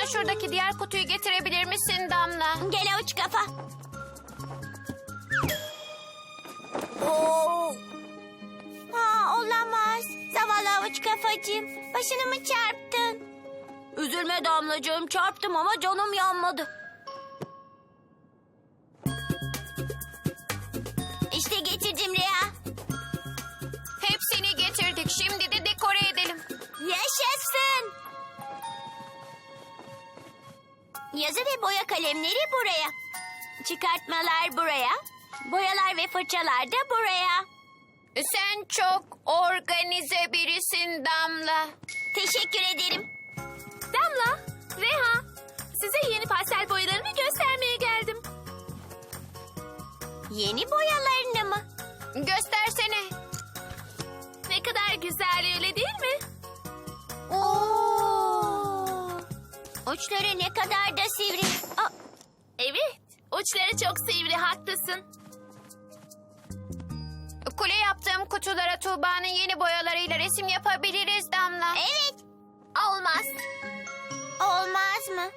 şuradaki diğer kutuyu getirebilir misin Damla? Gel avuç kafa. Oo. Ha, olamaz. Zavallı avuç kafacığım. Başını mı çarptın? Üzülme Damlacığım. Çarptım ama canım yanmadı. İşte getirdim Rüya. Hepsini getirdik. Şimdi de dekore edelim. Yaşasın. Yazı ve boya kalemleri buraya. Çıkartmalar buraya. Boyalar ve fırçalar da buraya. Sen çok organize birisin Damla. Teşekkür ederim. Damla, Reha, size yeni pastel boyalarımı göstermeye geldim. Yeni boyalarını mı? Göstersene. Ne kadar güzel, öyle değil mi? Oo. Uçları ne kadar da sivri. Aa, Evet, uçları çok sivri, haklısın. Kule yaptığım kutulara Tuğba'nın yeni boyalarıyla resim yapabiliriz Damla. evet. Olmaz. Olmaz mı?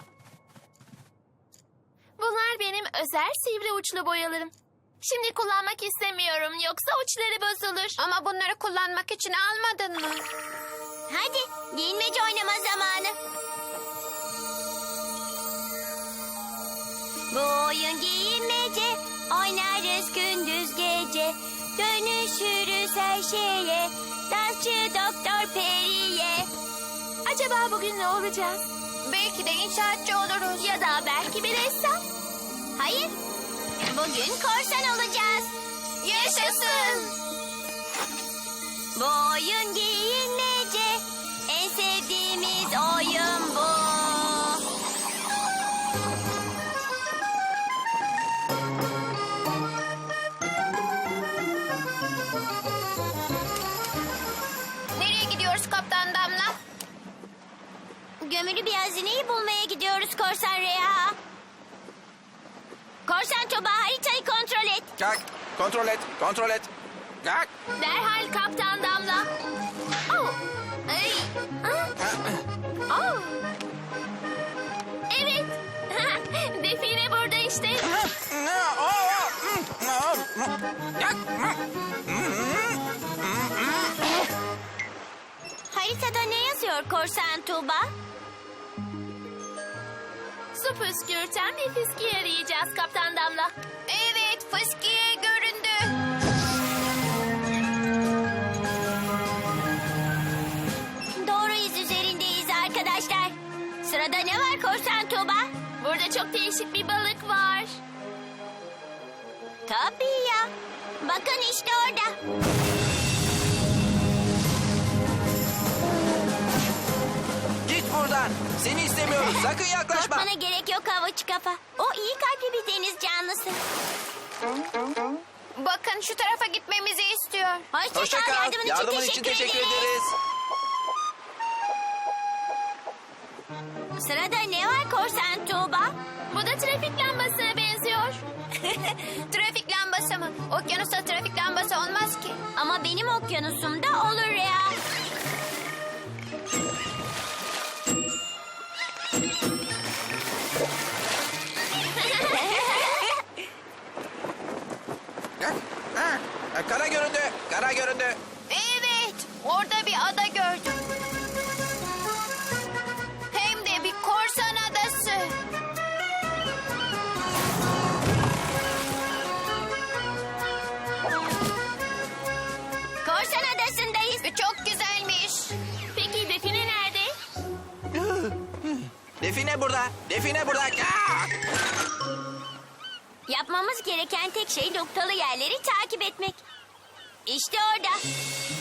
Bunlar benim özel sivri uçlu boyalarım. Şimdi kullanmak istemiyorum, yoksa uçları bozulur. Ama bunları kullanmak için almadın mı? Hadi giyinmece oynama zamanı. Bu oyun giyinmece, oynarız gündüz gece. Dönüşürüz her şeye, dansçı Doktor Peri'ye. Acaba bugün ne olacağız? Belki de inşaatçı oluruz. Ya da belki bir ressam. Hayır, bugün korsan olacağız. Yaşasın. Bu oyun giyinmece, en sevdiğimiz oyun bu. Nereye gidiyoruz Kaptan Damla? Gömülü bir hazineyi bulmaya gidiyoruz Korsan Reha. Korsan Tuba, haritayı kontrol et. Kalk, kontrol et, kontrol et. Kalk. Derhal Kaptan Damla. Oh. Ay. Oh. Evet. Define burada işte. Haritada ne yazıyor Korsan Tuba? Su püskürten bir fiski arayacağız Kaptan Damla. Evet, fıskiye göründü. Doğru iz üzerindeyiz arkadaşlar. Sırada ne var Korsan Tuba? Burada çok değişik bir balık var. Tabii ya. Bakın işte orada. Git buradan. Seni istemiyoruz. Sakın yaklaşma. Korkmana gerek yok havuç kafa. O iyi kalpli bir deniz canlısı. Bakın şu tarafa gitmemizi istiyor. Hoşça Hoşça kal. kal. Yardımın için teşekkür ederiz. Sırada ne var Korsan Tuğba? Bu da trafik lambasına benziyor. Trafik lambası mı? Okyanusta trafik lambası olmaz ki. Ama benim okyanusumda olur ya. Kara göründü, kara göründü. Evet, orada bir ada gördüm. Hem de bir korsan adası. Korsan adasındayız. Çok güzelmiş. Peki Define nerede? Define burada, define burada. Yapmamız gereken tek şey noktalı yerleri takip etmek. İşte orada.